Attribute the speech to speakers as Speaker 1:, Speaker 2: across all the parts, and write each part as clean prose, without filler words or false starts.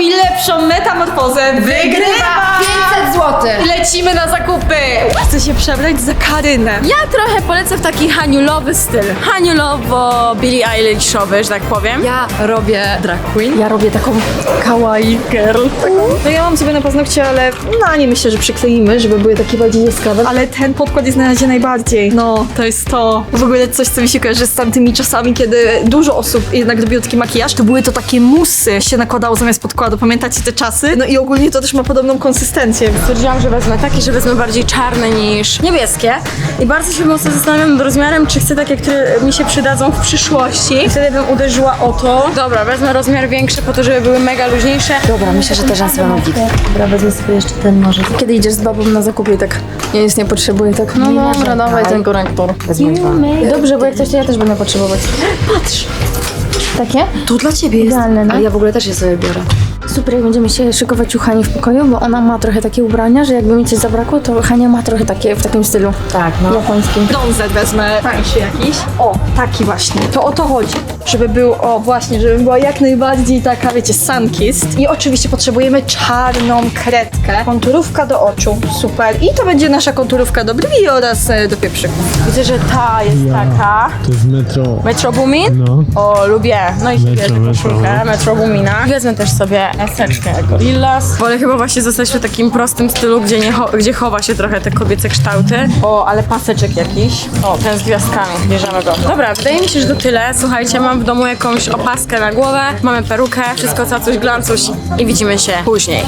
Speaker 1: robi lepszą metamorfozę, wygrywa!
Speaker 2: 500 zł.
Speaker 1: Lecimy na zakupy! Chcę się przebrać za Karynę.
Speaker 3: Ja trochę polecę w taki haniulowy styl. Haniulowo Billie Eilishowy, że tak powiem.
Speaker 1: Ja robię drag queen.
Speaker 3: Ja robię taką kawaii girl.
Speaker 1: No ja mam sobie na paznokcie, ale no nie myślę, że przykleimy, żeby były takie bardziej jaskrawe. Ale ten podkład jest na razie najbardziej. No, to jest to. W ogóle coś, co mi się kojarzy z tamtymi czasami, kiedy dużo osób jednak robiło taki makijaż, to były to takie musy się nakładało zamiast podkładu. Pamiętacie te czasy? No i ogólnie to też ma podobną konsystencję.
Speaker 3: Stwierdziłam, że wezmę takie, że wezmę bardziej czarne niż niebieskie. I bardzo się mocno zastanawiam nad rozmiarem, czy chcę takie, które mi się przydadzą w przyszłości. Wtedy bym uderzyła o to. Dobra, wezmę rozmiar większy po to, żeby były mega luźniejsze.
Speaker 2: Dobra, myślę, że te rzęsy będą git. Dobra, wezmę sobie jeszcze ten może.
Speaker 3: Kiedy idziesz z babą na zakupie, tak ja nic nie potrzebuję, tak no dobra, dawaj ten korektor.
Speaker 2: Wezmę dwa.
Speaker 3: Dobrze, bo jak coś, to ja też będę potrzebować. Patrz! Takie?
Speaker 2: To dla ciebie jest.
Speaker 3: Idealne, no.
Speaker 2: Ale ja w ogóle też je sobie biorę.
Speaker 3: Super, jak będziemy się szykować u Hani w pokoju, bo ona ma trochę takie ubrania, że jakby mi coś zabrakło, to Hania ma trochę takie w takim stylu
Speaker 2: Tak, no.
Speaker 3: japońskim.
Speaker 1: Brązet wezmę tańszy jakiś. O, taki właśnie. To o to chodzi. Żeby był, o właśnie, żeby była jak najbardziej taka, wiecie, sunkissed. I oczywiście potrzebujemy czarną kredkę. Konturówka do oczu. Super. I to będzie nasza konturówka do brwi oraz do pieprzyków.
Speaker 3: Widzę, że ta jest taka.
Speaker 4: To jest metro.
Speaker 3: Metro Boomin?
Speaker 4: No.
Speaker 3: O, lubię. No i sobie
Speaker 4: Metro,
Speaker 3: bierę
Speaker 4: metro.
Speaker 3: koszulkę Metro Boomina. Wezmę też sobie eseczkę Gorillaz. Wolę chyba właśnie zostać w takim prostym stylu, gdzie chowa się trochę te kobiece kształty. O, ale paseczek jakiś. O, ten z gwiazdkami. Bierzemy go. Dobra, wydaje mi się, że to tyle. Słuchajcie, mam w domu jakąś opaskę na głowę, mamy perukę, wszystko cacuś glancuś i widzimy się później.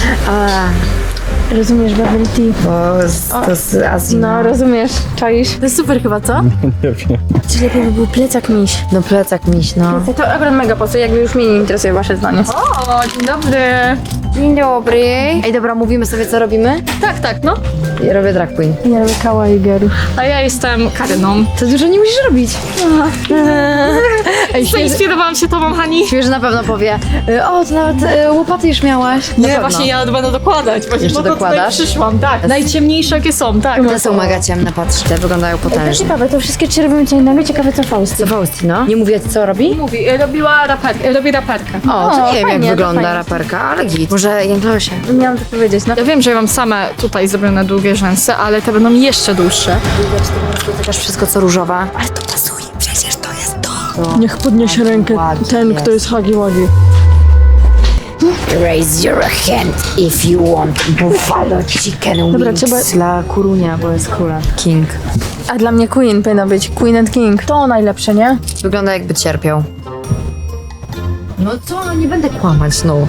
Speaker 3: Rozumiesz bubble tea?
Speaker 2: To z Azji.
Speaker 3: No, rozumiesz. Czaisz? To jest super chyba, co?
Speaker 4: Nie wiem.
Speaker 3: Czy lepiej by był plecak miś?
Speaker 2: No plecak miś, no.
Speaker 3: To akurat mega pasuje, jakby już mnie nie interesuje wasze zdanie.
Speaker 1: O, dzień dobry.
Speaker 2: Dzień dobry. Ej, dobra, mówimy sobie, co robimy?
Speaker 1: Tak, no.
Speaker 2: Ja robię drag queen.
Speaker 3: Ja robię kawaii girl.
Speaker 1: A ja jestem Karyną.
Speaker 3: To dużo nie musisz robić.
Speaker 2: Ej,
Speaker 1: Zainspirowałam się tobą, Hani.
Speaker 2: świeży na pewno powie, o, to nawet łopaty już miałaś. Na
Speaker 1: Nie,
Speaker 2: pewno.
Speaker 1: właśnie ja będę dokładać. Właśnie
Speaker 2: Jeszcze
Speaker 1: po to tutaj
Speaker 2: dokładasz?
Speaker 1: przyszłam, tak. Najciemniejsze jakie są, tak.
Speaker 2: Te są mega ciemne, patrz, te wyglądają
Speaker 3: To
Speaker 2: potężnie.
Speaker 3: ciekawe, to wszystkie trzy robimy co innego, ciekawe co Faust.
Speaker 2: Co Fausti, no? Nie mówię, co robi?
Speaker 1: Mówi, robi raperkę.
Speaker 2: O, to nie wiem,
Speaker 3: fajnie,
Speaker 2: jak
Speaker 3: to
Speaker 2: wygląda
Speaker 3: fajnie.
Speaker 2: raperka, ale git. Może Jęklosie.
Speaker 3: Miałam to powiedzieć, no.
Speaker 1: Ja wiem, że ja mam same tutaj zrobione długie rzęsy, ale te będą jeszcze dłuższe.
Speaker 2: Chociaż wszystko, co różowe. Ale to pasuje, przecież to jest to.
Speaker 3: Niech podniesie rękę ten, kto jest Hagi Wagi.
Speaker 2: Raise your hand if you want buffalo chicken
Speaker 3: Dobra,
Speaker 2: wings.
Speaker 3: trzeba-
Speaker 2: Dla Kurunia, bo jest króla. King.
Speaker 3: A dla mnie Queen powinna być. Queen and King. To najlepsze, nie?
Speaker 2: Wygląda jakby cierpiał. No co, no nie będę kłamać, no.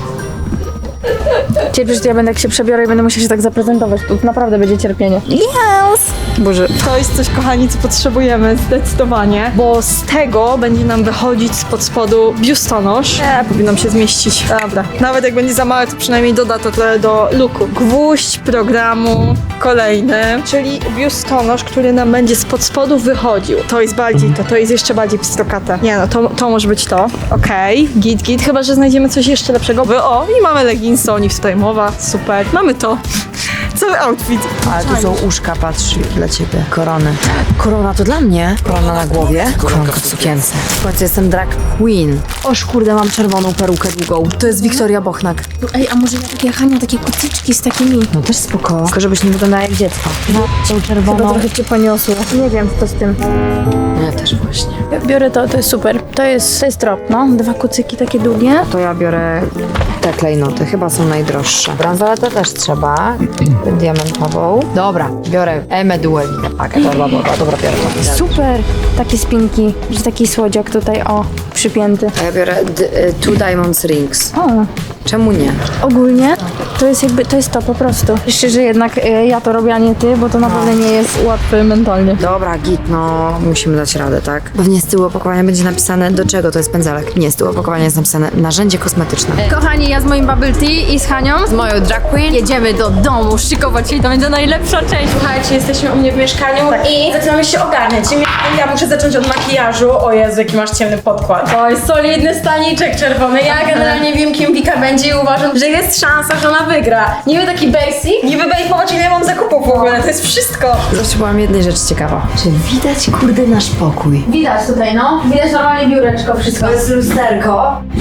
Speaker 3: Cierpisz, to ja będę jak się przebiorę i będę musiała się tak zaprezentować. Tu naprawdę będzie cierpienie. Yes!
Speaker 1: Boże, to jest coś, kochani, co potrzebujemy zdecydowanie, bo z tego będzie nam wychodzić spod spodu biustonosz. Powinnam się zmieścić. Dobra, nawet jak będzie za małe, to przynajmniej doda to trochę do looku. Gwóźdź programu kolejny, czyli biustonosz, który nam będzie spod spodu wychodził. To jest bardziej to jest jeszcze bardziej pstrokate. Nie no, to może być to. Okej, git, chyba że znajdziemy coś jeszcze lepszego. O, i mamy leginsy, o nich tutaj mowa. Super, mamy to. Cały outfit.
Speaker 2: Ale tu są uszka, patrz, dla ciebie. Korony. Korona to dla mnie. Korona na głowie. Koronka w sukience. W końcu jestem drag queen. Oż kurde, mam czerwoną perukę długą. To jest Wiktoria Bochnak.
Speaker 3: Ej, a może ja takie Hania, takie kucyczki z takimi?
Speaker 2: No też spoko. Tylko żebyś nie wyglądała jak dziecko. No, tą
Speaker 3: Chyba
Speaker 2: czerwoną.
Speaker 3: trochę cię poniosło. Nie wiem, co z tym.
Speaker 2: Ja też właśnie.
Speaker 3: Ja biorę to jest super. To jest trop, no. 2 kucyki takie długie.
Speaker 2: To ja biorę te klejnoty. Chyba są najdroższe. Bransoletę też trzeba. Diamentową. Dobra, biorę Duelinę pakę. Dobra, biorę to.
Speaker 3: Super! Takie spinki, że taki słodziak tutaj, o, przypięty.
Speaker 2: A ja biorę Two Diamonds Rings.
Speaker 3: O,
Speaker 2: Czemu nie?
Speaker 3: ogólnie to jest jakby, to jest to po prostu. Jeszcze, że jednak ja to robię, a nie ty, bo to naprawdę nie jest łatwe mentalnie.
Speaker 2: Dobra, git, no musimy dać radę, tak? Pewnie z tyłu opakowania będzie napisane, do czego to jest pędzelek. Nie, z tyłu opakowania jest napisane narzędzie kosmetyczne.
Speaker 3: Kochani, ja z moim bubble tea i z Hanią, z moją drag queen, jedziemy do domu szykować się i to będzie najlepsza część. Słuchajcie, jesteśmy u mnie w mieszkaniu i zaczynamy się ogarniać. Ja muszę zacząć od makijażu. O Jezu, jaki masz ciemny podkład. Oj, solidny staniczek czerwony. Ja generalnie wiem, kim Wika będzie i uważam, że jest szansa, że ona wygra. Niby taki basic. Niby basic, popatrz ile mam zakupów w ogóle, to jest wszystko.
Speaker 2: Zawsze byłam jednej rzeczy ciekawa. Czy widać, kurde, nasz pokój?
Speaker 3: Widać tutaj, no. Widać normalnie biureczko, wszystko.
Speaker 2: To jest lusterko.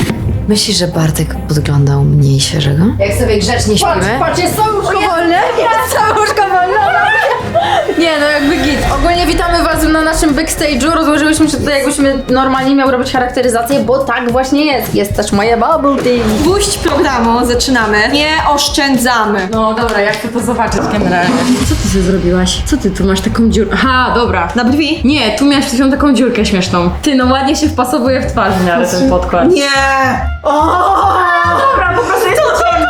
Speaker 2: Myślisz, że Bartek podglądał mniej świeżego? Jak sobie grzecznie śpimy?
Speaker 3: Patrz, jest całe łóżko wolne. Jest całe łóżko wolne. Nie, no jakby git. Ogólnie witamy was na naszym backstage'u. Rozłożyłyśmy się tutaj, jakbyśmy normalnie miał robić charakteryzację, bo tak właśnie jest. Jest też moje bubble tea.
Speaker 1: Puść programu, zaczynamy. Nie oszczędzamy.
Speaker 3: No dobra, jak chcę to zobaczyć generalnie. Co ty sobie zrobiłaś? Co ty tu masz taką dziurkę? Aha, dobra.
Speaker 1: Na brwi?
Speaker 3: Nie, tu miałeś tą taką dziurkę śmieszną. Ty, no ładnie się wpasowuje w twarz w miarę ten podkład.
Speaker 1: Nie!
Speaker 3: Dobra, po prostu jest to ciemno.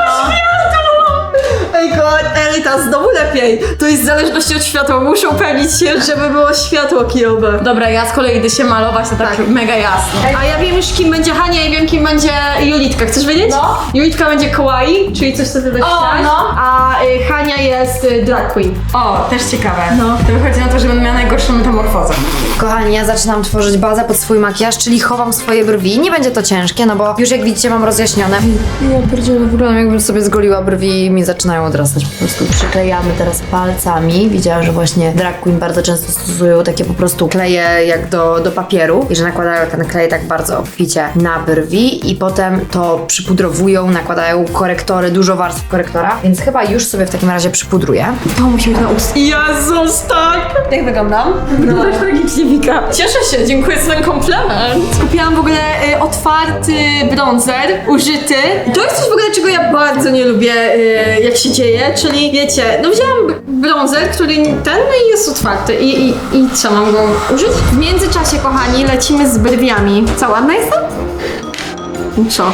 Speaker 1: Ej, Elita, znowu lepiej. To jest w zależności od światła. Muszę upewnić się, żeby było światło kijowe.
Speaker 3: Dobra, ja z kolei idę się malować, to tak mega jasno.
Speaker 1: A ja wiem już, kim będzie Hania i wiem, kim będzie Julitka. Chcesz wiedzieć?
Speaker 3: No.
Speaker 1: Julitka będzie kawaii, czyli coś, co ty będziesz
Speaker 3: O,
Speaker 1: chciałaś.
Speaker 3: no.
Speaker 1: A Hania jest drag queen.
Speaker 3: O, też ciekawe. No. To wychodzi na to, że będę miała najgorszą metamorfozę.
Speaker 2: Kochani, ja zaczynam tworzyć bazę pod swój makijaż, czyli chowam swoje brwi. Nie będzie to ciężkie, no bo już jak widzicie mam rozjaśnione. Ja pierdzielę, wyglądam jakbym sobie zgoliła brwi i mi zaczynają odrastać po prostu. Przyklejamy teraz palcami. Widziałam, że właśnie drag queen bardzo często stosują takie po prostu kleje jak do papieru i że nakładają ten klej tak bardzo obficie na brwi i potem to przypudrowują, nakładają korektory, dużo warstw korektora, więc chyba już sobie w takim razie przypudruję.
Speaker 1: To musi być na ust. Jezus, tak! Jak wyglądam?
Speaker 3: No też tragicznie Wika.
Speaker 1: Cieszę się, dziękuję za ten komplement. Kupiłam w ogóle otwarty bronzer, użyty. To jest coś w ogóle, czego ja bardzo nie lubię, jak się dzieje, czyli wiecie, no wzięłam bronzer, który ten no i jest otwarty i co, mam go użyć? W międzyczasie, kochani, lecimy z brwiami. Co, ładna jestem? Co?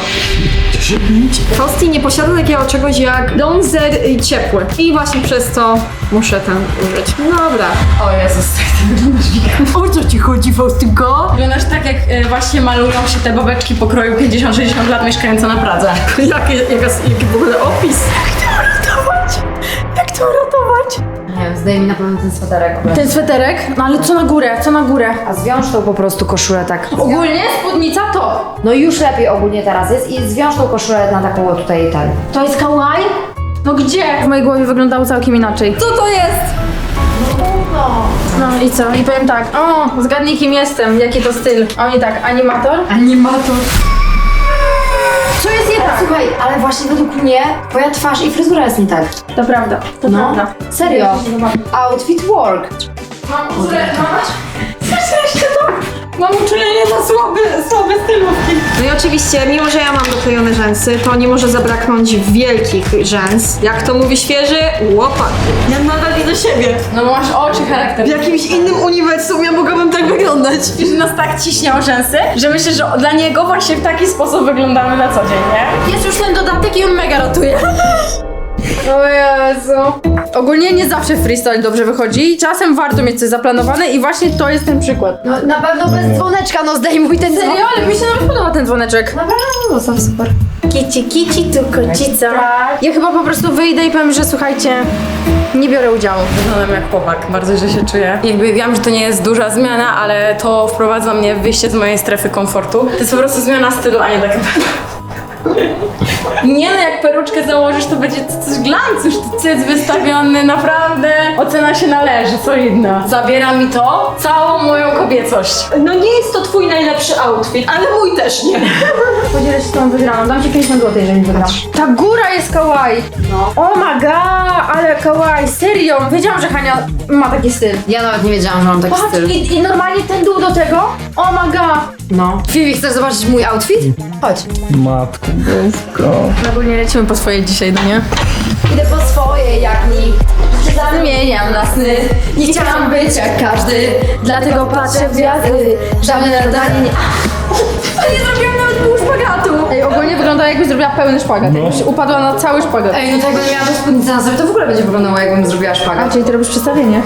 Speaker 1: Frosty nie posiada takiego czegoś jak bronzer ciepły. I właśnie przez to muszę ten użyć. Dobra.
Speaker 3: O Jezus, tak ty wyglądasz Wika.
Speaker 1: O co ci chodzi, Faustynko?
Speaker 3: Wyglądasz tak, jak właśnie malują się te babeczki pokroju 50-60 lat mieszkające na Pradze.
Speaker 1: Jaki w ogóle opis? Jak to uratować?
Speaker 2: Nie wiem, zdejmij na pewno ten sweterek.
Speaker 3: Ten sweterek? No ale co na górę, co na górę?
Speaker 2: A zwiąż tą po prostu koszulę tak.
Speaker 3: Ogólnie spódnica to.
Speaker 2: No już lepiej ogólnie teraz jest i zwiąż tą koszulę na taką tutaj ten.
Speaker 3: To jest kawaii? No gdzie? W mojej głowie wyglądało całkiem inaczej. Co to jest? No i co? I powiem tak, o, zgadnij kim jestem, jaki to styl. A oni tak, animator?
Speaker 2: Animator.
Speaker 3: Co jest nie tak?
Speaker 2: Słuchaj, ale właśnie według mnie twoja twarz i fryzura jest nie tak.
Speaker 3: To prawda, to
Speaker 2: No,
Speaker 3: prawda.
Speaker 2: serio. Outfit work.
Speaker 3: Mam uczulenie, jeszcze to. Mam uczulenie na słabe stylówki.
Speaker 1: No i oczywiście, mimo że ja mam doklejone rzęsy, to nie może zabraknąć wielkich rzęs. Jak to mówi świeży, łopat. Ja nadal widzę siebie.
Speaker 3: No bo masz oczy, charakter.
Speaker 1: W jakimś innym uniwersum ja mogłabym tak wyglądać.
Speaker 3: I że nas tak ciśnie o rzęsy, że myślę, że dla niego właśnie w taki sposób wyglądamy na co dzień, nie? Jest już ten dodatek i on mega rotuje. O Jezu. Ogólnie nie zawsze freestyle dobrze wychodzi. Czasem warto mieć coś zaplanowane i właśnie to jest ten przykład.
Speaker 2: No na pewno bez dzwoneczka, no zdejmuj ten dzwon.
Speaker 3: Serio? Ale mi się nawet podoba ten dzwoneczek.
Speaker 2: Naprawdę, no są super.
Speaker 3: Kici, tu kocica. Ja chyba po prostu wyjdę i powiem, że słuchajcie, nie biorę udziału. Wyglądam jak chłopak, bardzo źle się czuję. Jakby wiem, że to nie jest duża zmiana, ale to wprowadza mnie w wyjście z mojej strefy komfortu. To jest po prostu zmiana stylu, a nie tak. Nie no, jak peruczkę założysz, to będzie coś glans, już cyc wystawiony, naprawdę. Ocena się należy, solidna. Zabiera mi to całą moją kobiecość.
Speaker 1: No nie jest to twój najlepszy outfit, ale mój też nie.
Speaker 3: Podzielę się z tą wygraną, dam ci 50 zł, jeżeli wygrasz. Ta góra jest kawaii. No. Oh my god, ale kawaii, serio. Wiedziałam, że Hania ma taki styl.
Speaker 2: Ja nawet nie wiedziałam, że mam taki
Speaker 3: Patrz,
Speaker 2: styl.
Speaker 3: i normalnie ten dół do tego. Oh my god.
Speaker 2: No. Fifi, chcesz zobaczyć mój outfit? Chodź.
Speaker 4: Matko boska.
Speaker 3: Ogólnie lecimy po swoje dzisiaj, no nie?
Speaker 2: Idę po swoje jak nikt.
Speaker 3: Zmieniam na sny. Nie chciałam być jak każdy, dlatego patrzę w gwiazdy. Żadne nadanie nie... Nie zrobiłam nawet pół szpagatu. Ej, ogólnie wygląda jakbyś zrobiła pełny szpagat. Jakbyś upadła na cały szpagat.
Speaker 2: Ej, no tak jakbym miała spódnicę na sobie, to w ogóle będzie wyglądało jakbym zrobiła szpagat.
Speaker 3: Czyli ty robisz przedstawienie?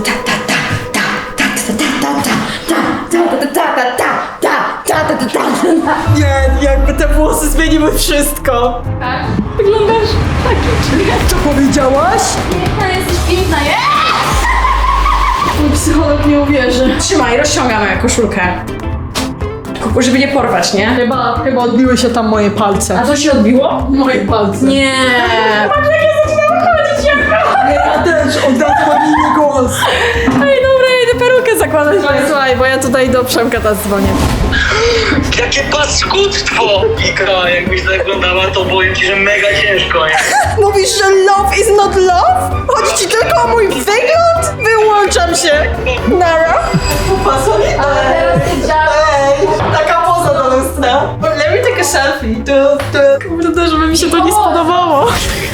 Speaker 1: Nie, jakby te włosy zmieniły wszystko.
Speaker 3: Tak. Wyglądasz taki
Speaker 1: Co powiedziałaś?
Speaker 3: piękna, jesteś piękna,
Speaker 1: Mój psycholog nie uwierzy.
Speaker 3: Trzymaj, rozciągamy koszulkę. Żeby nie porwać, nie?
Speaker 1: Chyba odbiły się tam moje palce.
Speaker 3: A co się odbiło?
Speaker 1: Moje palce.
Speaker 3: Nie. Patrz, jak ja zaczynam wychodzić, jak
Speaker 1: Ja też, od razu mam inny głos.
Speaker 3: Ej, dobra, ja idę perukę zakładać.
Speaker 1: Słuchaj, bo ja tutaj do Przemka teraz dzwonię.
Speaker 5: Jakie paskudztwo! Ika, jakbyś zaglądała, to powiem ci, że mega ciężko, nie?
Speaker 1: Mówisz, że love is not love? Chodzi ci tylko o mój wygląd? Wyłączam się. Nara.
Speaker 3: Teraz ty
Speaker 1: Ej, taka poza do lustra. Let me take a selfie. Kurde, żeby mi się to nie spodobało.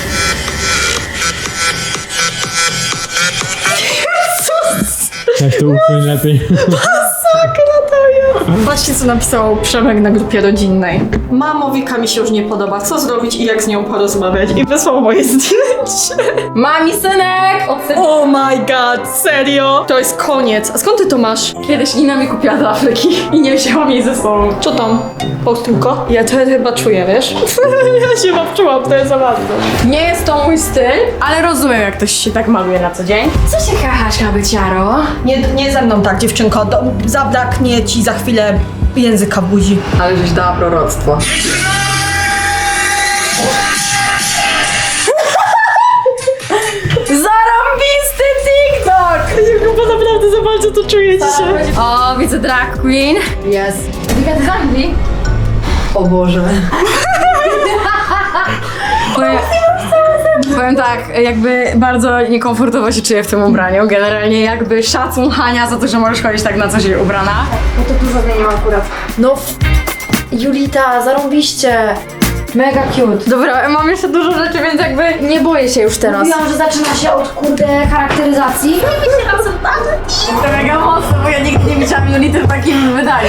Speaker 4: Jak to ukryć lepiej?
Speaker 1: Masakra to jest. Patrzcie, co napisał Przemek na grupie rodzinnej. Mamo, Wika mi się już nie podoba. Co zrobić i jak z nią porozmawiać? I wysłał moje zdjęcie.
Speaker 3: Mami, synek!
Speaker 1: Oh my god, serio? To jest koniec. A skąd ty to masz?
Speaker 3: Kiedyś Nina mi kupiła do Afryki i nie wzięłam jej ze sobą.
Speaker 1: Co tam? Postulko? Ja to chyba czuję, wiesz? Ja się wczułam, to jest za bardzo.
Speaker 3: Nie jest to mój styl, ale rozumiem, jak ktoś się tak maluje na co dzień. Co się kachasz, kabyciaro?
Speaker 1: Nie ze mną tak, dziewczynko. Zabraknie ci za chwilę języka w buzi.
Speaker 2: Ale żeś dała proroctwo.
Speaker 3: Zarąbisty TikTok!
Speaker 1: Chyba naprawdę za bardzo to czuję dzisiaj.
Speaker 3: O, widzę drag queen.
Speaker 2: Jest.
Speaker 3: Wika, ty z Anglii?
Speaker 2: O Boże.
Speaker 3: Powiem tak, jakby bardzo niekomfortowo się czuję w tym ubraniu. Generalnie jakby szacun Hania za to, że możesz chodzić tak na co dzień ubrana. No to tu zmieniłam akurat.
Speaker 2: No, Julita, zarąbiście. Mega cute.
Speaker 3: Dobra, mam jeszcze dużo rzeczy, więc jakby nie boję się już teraz.
Speaker 2: Mówiłam, że zaczyna się od kurde charakteryzacji.
Speaker 3: To mega mocno, bo ja nigdy nie widziałam Julity w takim wydaniu.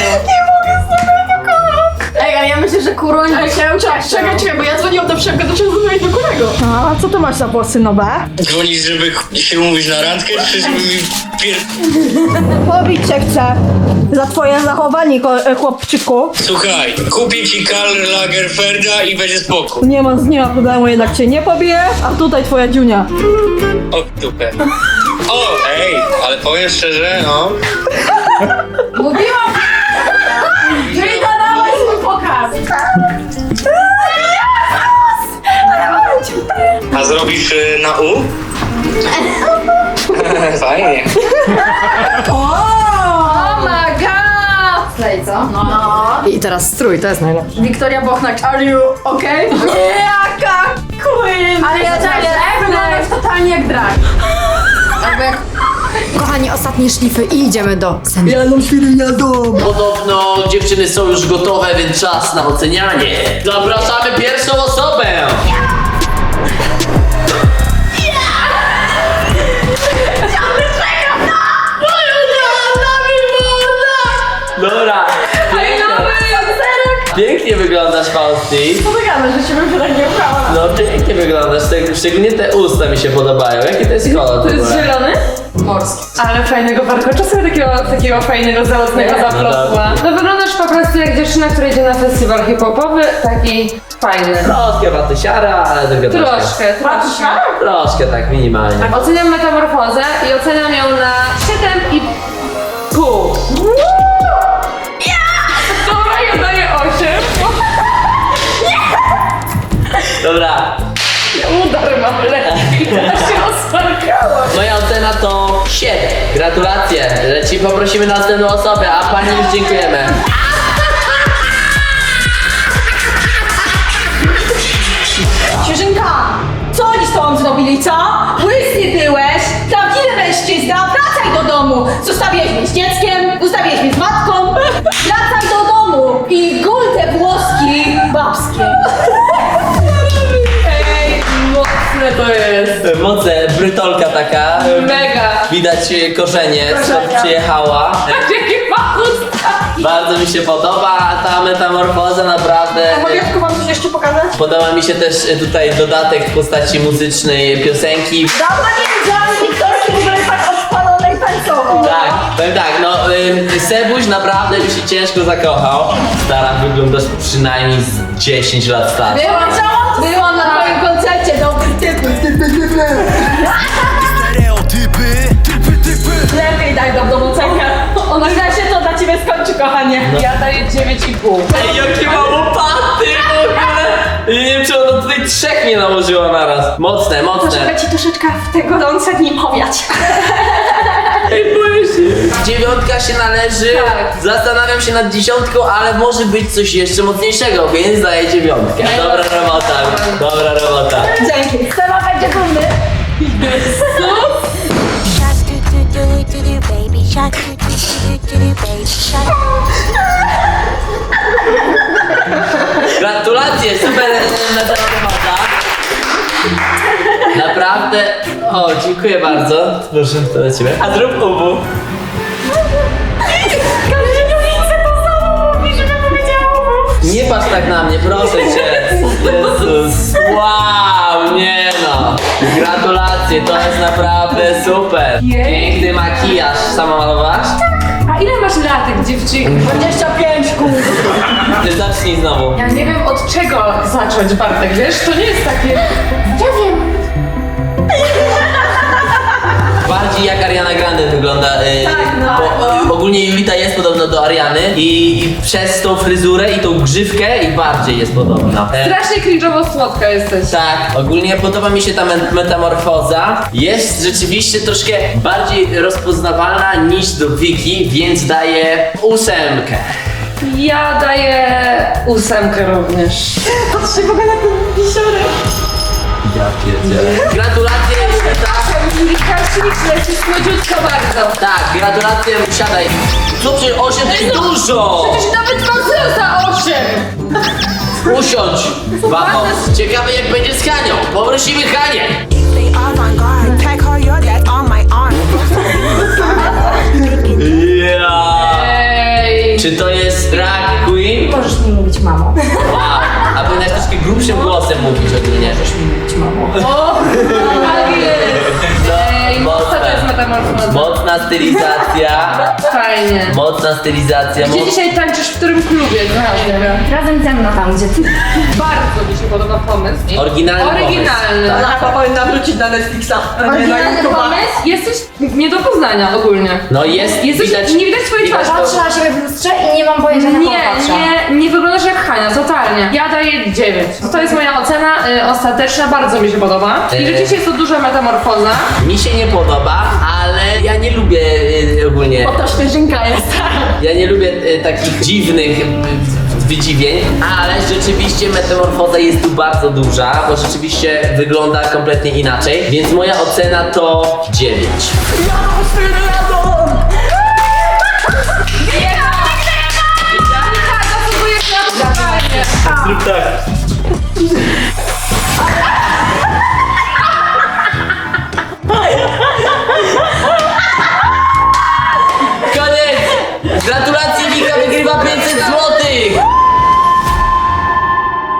Speaker 3: Ej, ale ja myślę, że Kuruń by się
Speaker 1: Czekaj, bo ja dzwoniłam do Przemka, to trzeba dzwonić do Kurego. A co to masz za włosy nowe?
Speaker 5: Dzwonisz, żeby się umówić na randkę, czy żeby mi
Speaker 1: Pobić cię chcę za twoje zachowanie, chłopczyku.
Speaker 5: Słuchaj, kupię ci Karl Lagerfelda i będzie spokój.
Speaker 1: Nie ma problemu, jednak cię nie pobiję, a tutaj twoja dziunia.
Speaker 5: O, dupę. O, ej, ale powiem szczerze, no.
Speaker 3: Mówiłam! Julita, dawaj swój pokaz!
Speaker 5: A zrobisz na U? Fajnie.
Speaker 3: Oh my god! Slej, co? No.
Speaker 2: I teraz strój, to jest najlepsze.
Speaker 3: Wiktoria Bochnak, are you okay? Jaka queen! Ale ja wyglądasz totalnie jak drag. Albo jak...
Speaker 2: Kochani, ostatnie szlify i idziemy do Semi.
Speaker 6: Podobno dziewczyny są już gotowe, więc czas na ocenianie. Zapraszamy pierwszą osobę! Dobra. Pięknie wyglądasz, Fausti.
Speaker 3: Co ty gadasz, że się bym się tak nie ubrała?
Speaker 6: No pięknie wyglądasz, szczególnie te usta mi się podobają. Jaki to jest kolor?
Speaker 3: To jest zielony? Morski. Ale fajnego warkocza sobie takiego fajnego, załotnego zaplosła. No wyglądasz po prostu jak dziewczyna, która idzie na festiwal hip-hopowy, taki fajny.
Speaker 6: Troszkę watysiara, ale tylko
Speaker 3: Troszkę.
Speaker 6: Troszkę tak, minimalnie.
Speaker 3: Oceniam metamorfozę i oceniam ją na 7,5. Dobra, ja daję 8.
Speaker 6: Dobra,
Speaker 3: Udar mam lekki, teraz się rozparkałam.
Speaker 6: moja ocena to 7. Gratulacje. Leci, poprosimy następną osobę, a pani już dziękujemy.
Speaker 1: Świeżynka, co oni z tobą zrobili, co? Łysy byłeś, prawdziwy mężczyzna, wracaj do domu. Zostawiłeś mnie z dzieckiem, zostawiłeś mnie z matką. Wracaj do domu i gul te włoski babskie.
Speaker 3: Ej, mocne to jest.
Speaker 6: Moce, brytolka taka.
Speaker 3: Mega.
Speaker 6: Widać korzenie, skąd przyjechała.
Speaker 3: Jaki ma usta.
Speaker 6: Bardzo mi się podoba ta metamorfoza, naprawdę.
Speaker 1: Mogę wam coś jeszcze pokazać?
Speaker 6: Podoba mi się też tutaj dodatek w postaci muzycznej piosenki.
Speaker 1: Dawno nie widziałam Wiktorki w ogóle tak odpalonej tańcowo.
Speaker 6: Tak, powiem tak, no Sebuś naprawdę by się ciężko zakochał. Stara, wyglądasz przynajmniej z 10 lat starsza.
Speaker 3: Byłam na twoim koncercie, dobry typ.
Speaker 1: Lepiej daj do domu cenę. Ona się to dla ciebie skończy, kochanie.
Speaker 3: Ja daję 9,5.
Speaker 6: Ej, jakie ma łopaty w ogóle! Nie wiem, czy ona tutaj 3 nie nałożyła naraz. Mocne, mocne.
Speaker 1: Ci troszeczkę w tego gorące dni powiać.
Speaker 6: Ej, boję Dziewiątka się należy.
Speaker 3: Tak.
Speaker 6: Zastanawiam się nad 10, ale może być coś jeszcze mocniejszego, więc daję 9. Dobra robota, dobra robota.
Speaker 1: Dzięki.
Speaker 3: Seba będzie dumny.
Speaker 7: Shark do do do do do baby shark do do do do do baby shark.
Speaker 6: Gratulacje, super robota. Naprawdę. O, dziękuję bardzo. Proszę, to dla ciebie. A zrób ubu. Nie patrz tak na mnie, proszę cię. Jezus. Wow, nie no. Gratulacje, to jest naprawdę super. Piękny makijaż. Sama malowałaś?
Speaker 3: A ile masz latek, dziewczynki?
Speaker 1: 25 kół.
Speaker 6: Ty zacznij znowu.
Speaker 3: Ja nie wiem od czego zacząć, Bartek, wiesz? To nie jest takie... Ja wiem.
Speaker 6: Bardziej jak Ariana Grande wygląda. Ogólnie Julita jest podobna do Ariany i przez tą fryzurę i tą grzywkę i bardziej jest podobna.
Speaker 3: Strasznie cringe'owo słodka jesteś.
Speaker 6: Tak, ogólnie podoba mi się ta metamorfoza. Jest rzeczywiście troszkę bardziej rozpoznawalna niż do Wiki, więc daję 8.
Speaker 3: Ja daję 8 również.
Speaker 1: Patrzcie w ogóle na ten wisiorek.
Speaker 6: Ja pierdzielę. Gratulacje, Julita.
Speaker 3: Śliczne, jesteś młodziutka bardzo.
Speaker 6: Tak, gratulacje, siadaj. Co przecież 8 to jest dużo!
Speaker 3: Przecież nawet koncert za 8.
Speaker 6: Usiądź, Wamo. Ciekawe jak będzie z Hanią. Poprosimy Hanię.
Speaker 7: They avant-garde. Tag her, your dad on my arm.
Speaker 6: Ja.
Speaker 3: Ej.
Speaker 6: Czy to jest drag queen?
Speaker 3: Możesz mi mówić mamo.
Speaker 6: Wow. A powinnaś troszkę grubszym głosem mówić ogólnie.
Speaker 3: O, tak jest. Ej, mocna to jest metamorfoza.
Speaker 6: Mocna stylizacja.
Speaker 3: Fajnie.
Speaker 6: Mocna stylizacja.
Speaker 3: Gdzie dzisiaj tańczysz, w którym klubie?
Speaker 2: Razem ze mną tam, gdzie ty.
Speaker 3: Bardzo mi się podoba pomysł.
Speaker 6: Oryginalny
Speaker 3: Oryginalny.
Speaker 1: Lapa powinna wrócić na Netflixa, a nie na
Speaker 3: Oryginalny
Speaker 1: YouTube'a.
Speaker 3: pomysł? Jesteś nie do poznania ogólnie.
Speaker 6: No jest,
Speaker 3: Jesteś, nie widać twojej twarzy.
Speaker 2: Patrzę na siebie w lustrze i nie mam pojęcia na kogo patrzę.
Speaker 3: Nie wyglądasz jak Hania, totalnie. Ja daję 9. To jest moja ocena ostateczna, bardzo mi się podoba. I rzeczywiście jest to duża metamorfoza.
Speaker 6: Mi się nie podoba, ale ja nie lubię ogólnie.
Speaker 1: To świeżynka jest.
Speaker 6: Ja nie lubię takich dziwnych wydziwień, ale rzeczywiście metamorfoza jest tu bardzo duża, bo rzeczywiście wygląda kompletnie inaczej, więc moja ocena to 9.
Speaker 3: Zasługujesz na to.
Speaker 6: Zrób tak.